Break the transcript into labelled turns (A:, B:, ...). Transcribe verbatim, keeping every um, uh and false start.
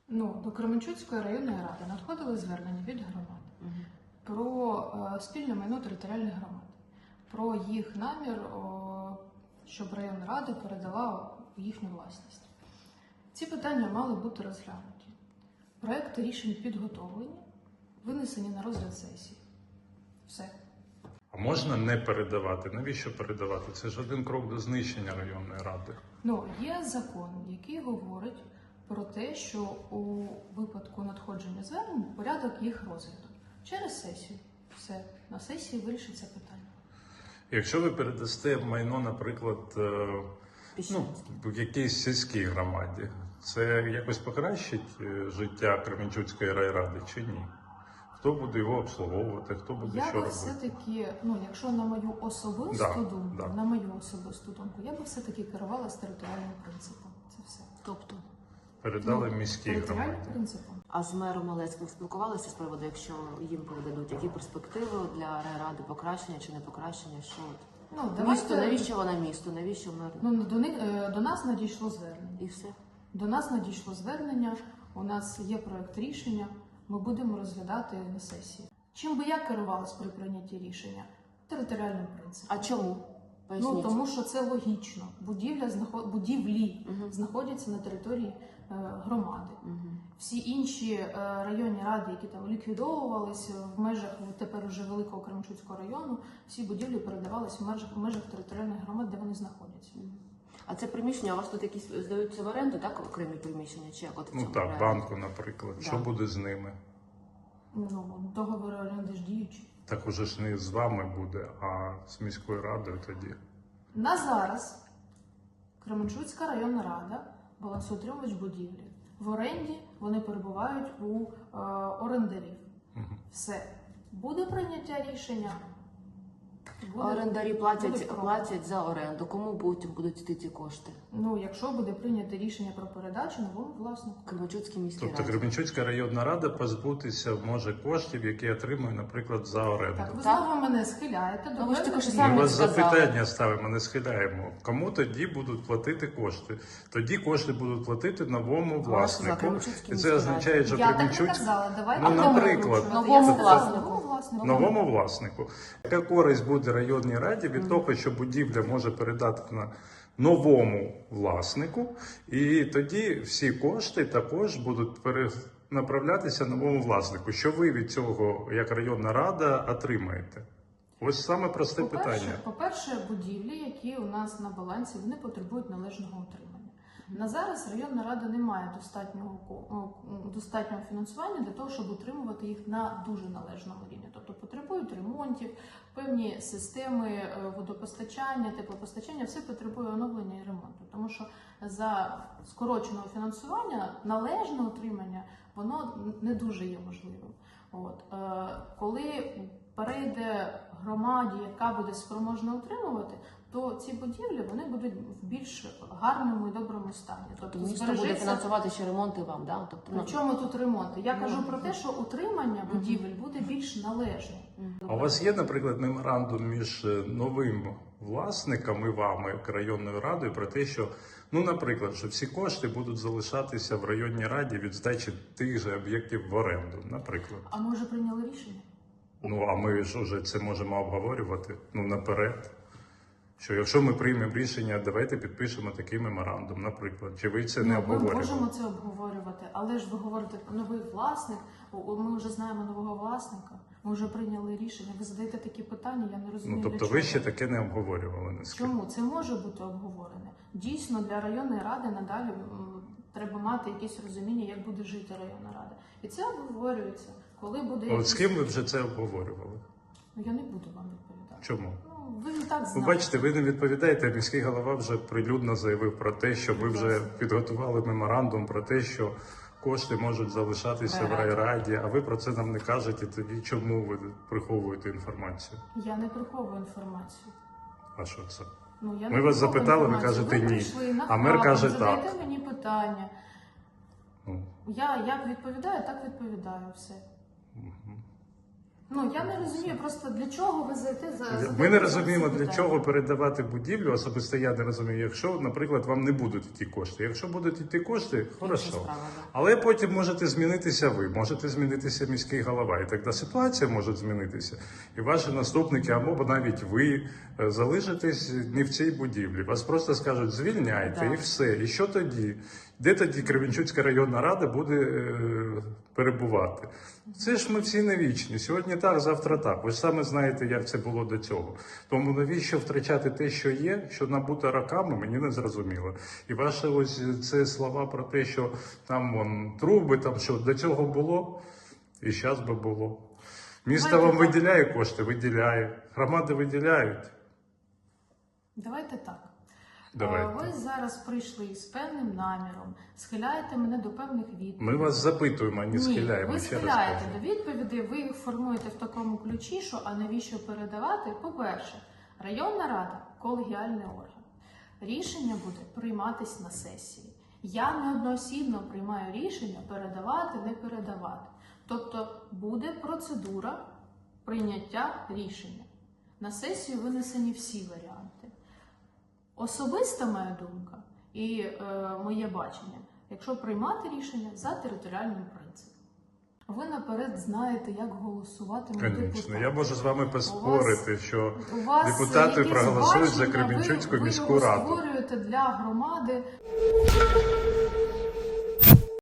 A: Ну, до Кременчуцької районної ради надходили звернення від громад
B: Угу.
A: про е, спільне майно територіальних громад, про їх намір, о, щоб районна рада передала в їхню власність. Ці питання мали бути розглянуті. Проекти рішень підготовлені, винесені на розгляд сесії. Все.
C: А можна не передавати? Навіщо передавати? Це ж один крок до знищення районної ради.
A: Ну, є закон, який говорить про те, що у випадку надходження звернень порядок їх розгляду через сесію. Все, на сесії вирішиться питання.
C: Якщо ви передасте майно, наприклад, е, ну, в якійсь сільській громаді, це якось покращить е, життя Кременчуцької райради чи ні? Хто буде його обслуговувати, хто буде
A: Я
C: що
A: би
C: робити?
A: все-таки, ну, якщо на мою особисту
C: Да,
A: думку,
C: да.
A: на мою особисту думку, я би все-таки керувалася територіальним принципом. Це все.
B: Тобто,
C: Передали
A: Ну,
C: міській
A: територіальним
C: громаді.
A: принципом.
B: а з мером Малецьким спілкувалися з приводу, якщо їм передадуть, які перспективи для райради, покращення чи не покращення? Що от?
A: Ну,
B: Місто,
A: давайте,
B: навіщо вона місто, навіщо мер?
A: ну, до, них, е, до нас надійшло звернення.
B: І все.
A: До нас надійшло звернення, у нас є проект рішення, ми будемо розглядати на сесії. Чим би я керувалась при прийнятті рішення? Територіальним принципом.
B: А чому? Поясніть.
A: Ну, тому що це логічно. Будівля, знаход- будівлі
B: Мгм.
A: знаходяться на території е, громади.
B: Мгм.
A: Всі інші е, районні ради, які там ліквідовувалися в межах тепер уже Великого Кременчуцького району, всі будівлі передавалися в межах, в межах територіальних громад, де вони знаходяться.
B: А це приміщення, у вас тут якісь здаються в оренду, так, окремі приміщення? Чи як от в
C: Ну
B: цьому
C: так,
B: проекті?
C: банку, наприклад.
B: Да.
C: Що буде з ними?
A: Ну, договори оренди ж діючі.
C: Так уже ж не з вами буде, а з міською радою тоді.
A: На зараз Кременчуцька районна рада, балансоутримувач будівлі. В оренді вони перебувають у е, орендарів.
C: Мгм.
A: Все. Буде прийняття рішення. Буде-
B: Орендарі
A: буде
B: платять,
A: крок.
B: платять за оренду. Кому потім будуть йти ці кошти?
A: Ну, якщо буде прийнято рішення про передачу новому власнику.
B: Кременчуцькій міській
C: Тобто
B: раді.
C: Кременчуцька районна рада позбутися може коштів, які отримує, наприклад, за оренду.
A: Так, ви
B: Так.
A: знову мене схиляєте до
B: Ну, ви ж тільки
A: певних
B: що
A: рішень.
B: самі
C: Ми вас
B: сказали.
C: запитання ставимо, не схиляємо. Кому тоді будуть платити кошти? Тоді кошти будуть платити новому власнику.
B: Кременчуцькій
C: І
B: міській
C: це означає, що
A: Я так і
C: Кременчуцька
A: казала, давайте
C: Ну,
A: новому
C: наприклад.
A: вручувати.
B: Новому
A: Я сказала,
B: власнику.
A: новому власнику.
C: новому власнику. Яка користь буде районній раді від того, що будівля може передати на новому власнику, і тоді всі кошти також будуть перенаправлятися новому власнику. Що ви від цього, як районна рада, отримаєте? Ось саме просте
A: По-перше,
C: питання.
A: по-перше, будівлі, які у нас на балансі, вони потребують належного утримання. На зараз районна рада не має достатнього ко- ну, достатнього фінансування для того, щоб утримувати їх на дуже належному рівні. Тобто потребують ремонтів, певні системи е, водопостачання, теплопостачання, все потребує оновлення і ремонту. Тому що за скороченого фінансування належне утримання воно не дуже є можливим. От е, коли перейде громаді, яка буде спроможна утримувати, то ці будівлі вони будуть в більш гарному і доброму стані. Тобто
B: Місто буде
A: збережеться.
B: фінансувати ще ремонти вам, да? Тобто,
A: При чому тут ремонти? Я
B: Ну,
A: кажу про те, що утримання будівель буде більш належним.
C: А у вас є, наприклад, меморандум між е, новим власником і вами, як районною радою, про те, що, ну, наприклад, що всі кошти будуть залишатися в районній раді від здачі тих же об'єктів в оренду, наприклад.
A: А ми вже прийняли рішення?
C: Ну, а ми ж уже це можемо обговорювати, ну, наперед. Що якщо ми приймемо рішення, давайте підпишемо такий меморандум, наприклад. Чи ви це не
A: Ну, ми
C: обговорювали?
A: можемо це обговорювати, але ж ви говорите про новий власник. О, Ми вже знаємо нового власника. Ми вже прийняли рішення. Ви задаєте такі питання, я не розумію.
C: Ну, тобто
A: для
C: ви
A: чого.
C: ще таке не обговорювали, наскільки?
A: Чому? Це може бути обговорене. Дійсно, для районної ради надалі м, треба мати якесь розуміння, як буде жити районна рада. І це обговорюється. Коли буде
C: От
A: якийсь-
C: з ким ви вже це обговорювали?
A: Ну, я не буду вам відповідати.
C: Чому?
A: Ну, ви і так
C: Ви
A: знаєте.
C: бачите, ви не відповідаєте. Міський голова вже прилюдно заявив про те, що ви вже підготували меморандум про те, що кошти можуть залишатися в райраді, а ви про це нам не кажете. Тоді чому ви приховуєте інформацію?
A: Я не приховую інформацію.
C: А що це?
A: Ну, я
C: Ми
A: не
C: вас
A: приховую
C: запитали, ви
A: інформацію.
C: кажете, ні.
A: прийшли на
C: А мер
A: хабар,
C: каже,
A: задаєте
C: так.
A: мені питання.
C: Ну,
A: Я як відповідаю, так відповідаю все.
C: мгм.
A: Ну я не розумію, просто для чого ви зайти за
C: Ми
A: задаєте
C: не
A: зараз
C: розуміємо,
A: це
C: для
A: питання.
C: чого передавати будівлю, особисто я не розумію, якщо, наприклад, вам не будуть йти кошти. Якщо будуть йти кошти,
B: Інша
C: хорошо.
B: справа, да.
C: Але потім можете змінитися ви, можете змінитися міський голова, і тоді ситуація може змінитися. І ваші наступники, або навіть ви е, залишитесь не в цій будівлі. Вас просто скажуть, звільняйте,
B: Да.
C: і все. І що тоді? Де тоді Кременчуцька районна рада буде е, перебувати? Це ж ми всі не вічні. Сьогодні так, завтра так. Ви ж саме знаєте, як це було до цього. Тому навіщо втрачати те, що є, що набуто роками, мені не зрозуміло. І ваші ось це слова про те, що там вон, труби, там що до цього було, і зараз би було. Місто
A: Давайте
C: вам
A: так.
C: виділяє кошти, виділяє. Громади виділяють.
A: Давайте так.
C: Давайте.
A: Е, Ви зараз прийшли з певним наміром, схиляєте мене до певних відповідей.
C: Ми вас запитуємо, а не
A: Ні,
C: схиляємо.
A: ви
C: Ще раз
A: схиляєте
C: кажу.
A: до відповідей, ви їх формуєте в такому ключі, що а навіщо передавати? По-перше, районна рада – колегіальний орган. Рішення буде прийматись на сесії. Я неодноосібно приймаю рішення передавати, не передавати. Тобто буде процедура прийняття рішення. На сесію винесені всі варіанти. Особиста моя думка і е, моє бачення, якщо приймати рішення за територіальним принципом. Ви наперед знаєте, як голосувати на
C: Звісно,
A: депутатів.
C: я можу з вами поспорити, що
A: У вас
C: депутати
A: якісь
C: проголосують за
A: бачення,
C: Кременчуцьку
A: ви,
C: міську
A: ви його
C: раду.
A: створюєте для громади.